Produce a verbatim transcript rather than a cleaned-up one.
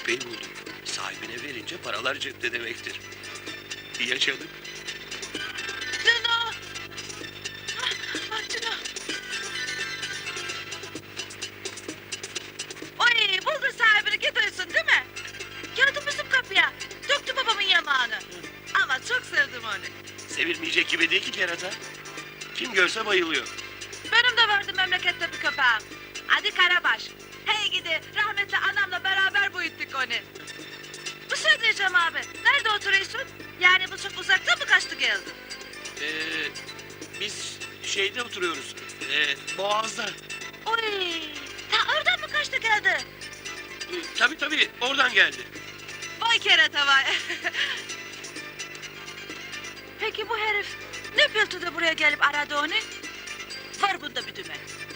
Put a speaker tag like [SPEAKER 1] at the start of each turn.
[SPEAKER 1] köpeği buldum. Sahibine verince paralar cepte demektir. Yaşadık.
[SPEAKER 2] Cino! Ah, ah Cino! Oy, buldu sahibini gidiyorsun değil mi? Geldi bizim kapıya. Döktü babamın yamağını. Ama çok sevdim onu.
[SPEAKER 1] Sevilmeyecek gibi değil ki kerata. Kim görse bayılıyor.
[SPEAKER 2] Benim de vardı memlekette bir köpeğim. Adı Karabaş. Hey gidi rahmetli anamla beraber büyüttük onu. Bu şey diyeceğim abi. Nerede oturuyorsun? Yani bu çok uzakta mı kaçtı geldi?
[SPEAKER 1] Ee, biz şeyde oturuyoruz. Ee, Boğaz'da.
[SPEAKER 2] Oy, ta oradan mı kaçtı geldi?
[SPEAKER 1] Ee, tabii tabii oradan geldi.
[SPEAKER 2] Vay kerata vay. Peki bu herif ne bildi de buraya gelip aradı onu? Var bunda bir dümen.